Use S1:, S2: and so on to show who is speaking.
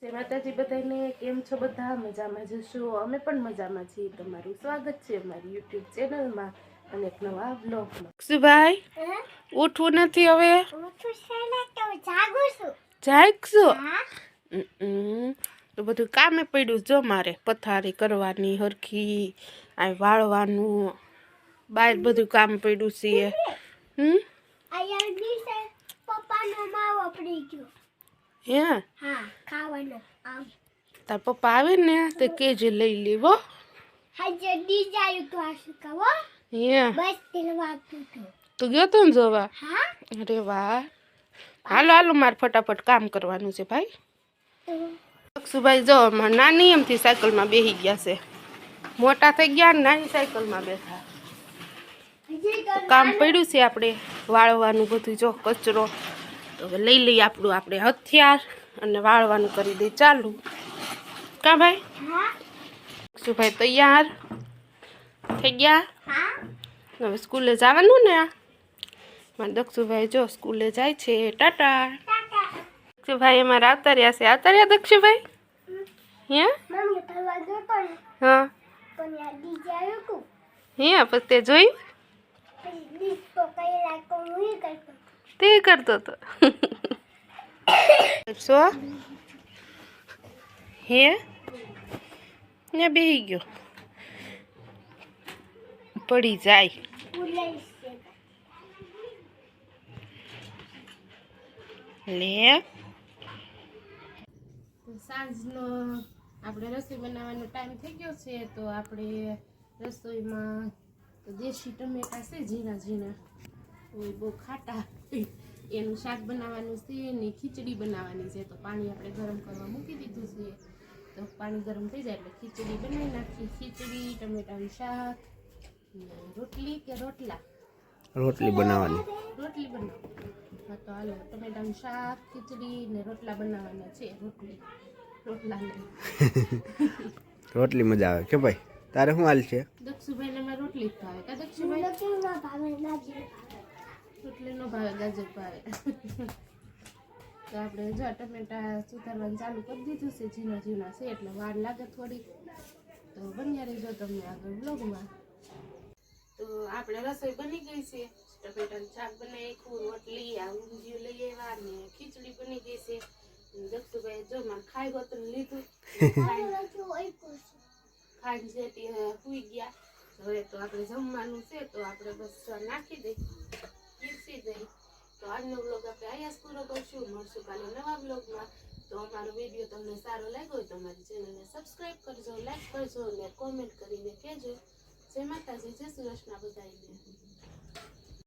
S1: જય માતાજી બધાને, કેમ છો બધા? મજામાં જશો? અમે પણ મજામાં છીએ. તમારું સ્વાગત છે અમારી યુટ્યુબ ચેનલમાં અને એક નવા બ્લોગમાં. સુભાઈ ઉઠવું નથી હવે? જાગશો? તો બધું કામે પડ્યું જો મારે, પથારી કરવાની હરખી, આ વાળવાનું, બહાર બધું કામ પડ્યું છે.
S2: પપ્પાનો માવો પડી ગયો.
S1: હે?
S2: હા, ખાવાનો.
S1: તાર પપ્પા આવે ને તો કેજે લઈ લેવો.
S2: હાજે ડીજાયું તો આશકાવો.
S1: હે?
S2: બસ તેલવા તો.
S1: તું ગયો તો ને જોવા?
S2: હા.
S1: અરે વાહ. હાલો હાલો, મારે ફટાફટ કામ કરવાનું છે ભાઈ. અક્ષુભાઈ જો નાની એમથી સાયકલમાં બેસી ગયા છે. મોટા થઈ ગયા ને નાની સાયકલમાં બેઠા. તો કામ પડ્યું છે આપણે વાળવાનું બધું, જો કચરો. તો હવે લઈ લઈએ આપણું આપણે હથિયાર અને વાળવાનું કરી દઈએ ચાલુ. કા ભાઈ? અક્ષુભાઈ તૈયાર થઈ ગયા? હવે સ્કૂલે જવાનું ને? મારા દક્ષુભાઈ જો સ્કૂલે જાય છે. ટાટા. દક્ષુભાઈ અમારે આવતા રહ્યા છે. આવતા રહ્યા દક્ષુભાઈ? હે? હા. હે પછી તે જોયું? તે કરતો હતો. શું? હે? ને બેસી ગયો. પડી જાય. લે સાંજનો આપણે રસોઈ બનાવવાનો ટાઈમ થઈ ગયો છે. તો આપણે રસોઈમાં દેશી ટમેટા છે, ઝીણા ઝીણા, બહુ ખાટા, એનું શાક બનાવવાનું છે ને ખીચડી બનાવવાની છે. તો પાણી આપણે ગરમ કરવા મૂકી દીધું છે. તો પાણી ગરમ થઈ જાય એટલે ખીચડી બનાવી નાખી. ખીચડી, ટમેટાનું શાક, રોટલી કે રોટલા?
S3: રોટલી બનાવવાની.
S1: રોટલી બનાવવાની. હા તો હાલો, ટમેટાનું શાક, ખીચડી ને રોટલા બનાવવાના છે. રોટલા નહીં.
S3: રોટલી મજા આવે કે ભાઈ? તારે શું હાલ છે?
S1: દક્ષુભાઈ ને મારે રોટલી જ ભાવે. કા દક્ષુભાઈ? રોટલી નો ભાવે, ગાજર ભાવે. તો આપણે જો ટમેટા સુધારવાનું ચાલુ કરી દીધું છે. ઝીણા ઝીણા છે એટલે વાર લાગે થોડી. તો બન્યા રહેજો તમને આગળ બ્લોગમાં. તો આપણે રસોઈ બની ગઈ છે. ટમેટાનું શાક બનાવ્યું, રોટલી, આ ઊંધિયું લઈ આવ્યા ને ખીચડી બની ગઈ છે. દક્ષુભાઈ જો માં ખાઈ ગોતું લીધું, ખાઈ જેથી સુઈ ગયા. હવે તો આપણે જમવાનું છે તો આપણે બસ નાખી દઈ, પીરસી દઈ. તો આજનો બ્લોગ આપણે અહીંયા જ પૂરો કરશું. મળશું કાલે નવા બ્લોગમાં. તો અમારો વિડીયો તમને સારો લાગ્યો હોય તો અમારી ચેનલને સબસ્ક્રાઈબ કરજો, લાઈક કરજો અને કોમેન્ટ કરીને કહેજો. જય માતાજી, જય શ્રી કૃષ્ણ બધાને.